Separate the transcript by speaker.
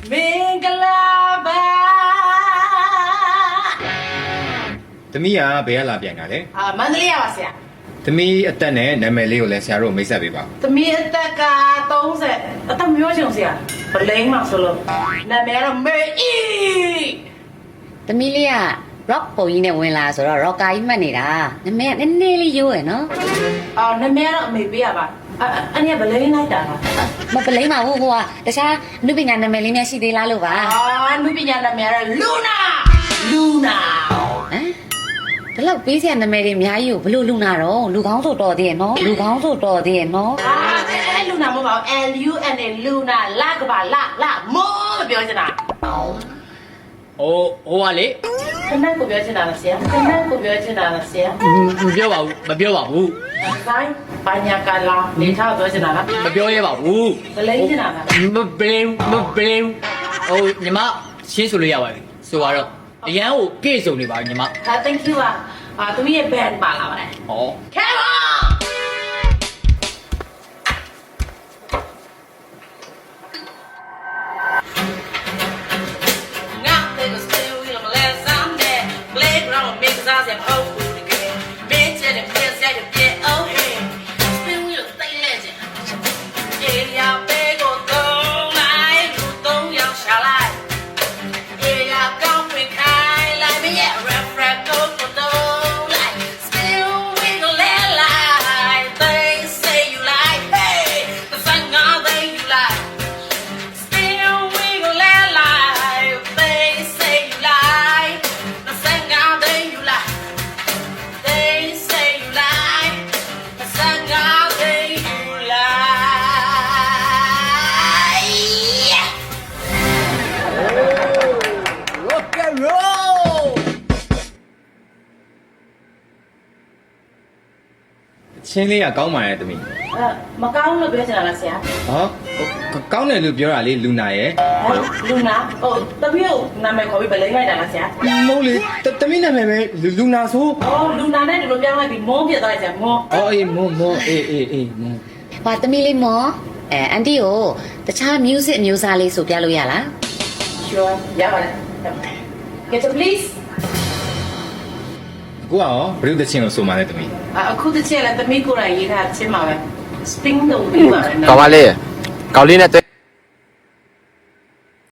Speaker 1: မင်္ဂလာပါ
Speaker 2: သမီးကဘယ်ကလာပြန်တာလဲ
Speaker 1: မန္တလေးရပါဆရာ
Speaker 2: သမီးအသက်နဲ့နာမည်လေးကိုလည်းဆရာတို့မိတ်ဆက်ပေးပါ
Speaker 1: သမီးအသက်က30အသက်မျိုးချင်ဆရာဗလိန်မှာဆိုလို့နာမည်ကတော့မေအီ
Speaker 3: သမီးလေးက rock ပုံကြီးနဲ့ဝင်လာဆိုတော့ rocker ကြီးမှတ်နေတာနာမည်ကနည်းနည်းလေးရိုးရယ်နော်
Speaker 1: နာမည်ကတော့အမေပေးရပါအဲ့ဒီဗလိန်လိုက်တာလား
Speaker 3: မပလိမ့်ပါဘူးဟိုကတခြားနုပညာနာမည်လေးများရှိသေးလားလို့ပါ
Speaker 1: နုပညာနာမည်ကတော့လူနာဟမ်
Speaker 3: ဒီလောက်ပေးစရာနာမည်တွေအများကြီးကိုဘလို့လူနာတော့လူကောင်းဆိုတော်သေးရဲ့နော်လူကောင်းဆိုတော်သေးရဲ့နော်
Speaker 1: အဲ့လူနာမဟုတ်ပါဘူး LUNA လူနာလကပါလမောမပြောချင်တာ
Speaker 4: ဟိုကလေ
Speaker 1: ခဏကိုပြောချင်တာလားဆရာခဏကိုပြောချင်တာလားဆရာ
Speaker 4: မပြောပါဘူးမပြောပါဘူး
Speaker 1: ဇိုင်းဘာညာကလာနေထားပြောချင်တာလား
Speaker 4: မပြောရပါဘူး
Speaker 1: ဗလိန်ချင်တာလား
Speaker 4: မပလင်းဟိုညီမရှင်းဆိုလို့ရပါပြီဆိုတော့အရန်ကိုပြည့်စုံနေပါညီမ
Speaker 1: thank you သူမရဲ့ band ပါလာပါတယ်
Speaker 4: ဟော
Speaker 1: Come on ငါတဲ့ကို stay with me last Sunday playground mix us and hope for the game bitch and piss at the get oh hey spin wheel တိတ်လက်ချင် area ပဲကိုတော့လိုက်လူတော့ရောက်ရှာလိုက် area ကောင်းဖွင့်ခိုင်းလိုက်မရဲ့ refract ကိုတော့လိုက် still wiggle like they say you like hey the sun God they you like still wiggle like they say you like the sun God they you like they say you like the sun God they you like yeah.
Speaker 4: rock and roll
Speaker 2: ချင်းလေးကကောင်းပါရဲ့သမီး
Speaker 1: မကောင်းလို့ပြောချင်တာလားဆရာ
Speaker 2: ဟောကောင်းတယ်လို့ပြောတာလေလူနာရဲ့
Speaker 1: လူနာတပည့်ကိုနာမည်ခေါ်ပြီးဗလိန်လိုက်တာလားဆရာ
Speaker 2: မဟုတ်လေသမီးနာမည်ပဲလူနာဆို
Speaker 1: လူနာနဲ့ဒီလိုပြောင်းလိုက်ပြီးမုန်းပြသွားလိုက်ဆရာမုန်း
Speaker 2: အေးမောအေးမော
Speaker 3: ဟာသမီးလေးမောအန်တီကိုတခြား music အမျိုးအစားလေးဆိုပြလို့ရလား
Speaker 1: sure ရပါတယ် get to please
Speaker 2: ကိုကရောဘယ်လိုတချင်းကိုဆိုမှလဲသမီး
Speaker 1: အခုတစ်ချက်လည်းသမီးကိုယ်တိုင်ရေးထားချင်းပါပဲ spring တော့ပြီးပါတယ်နော်
Speaker 5: ကောင်းပါလေကောင်းလေးနဲ့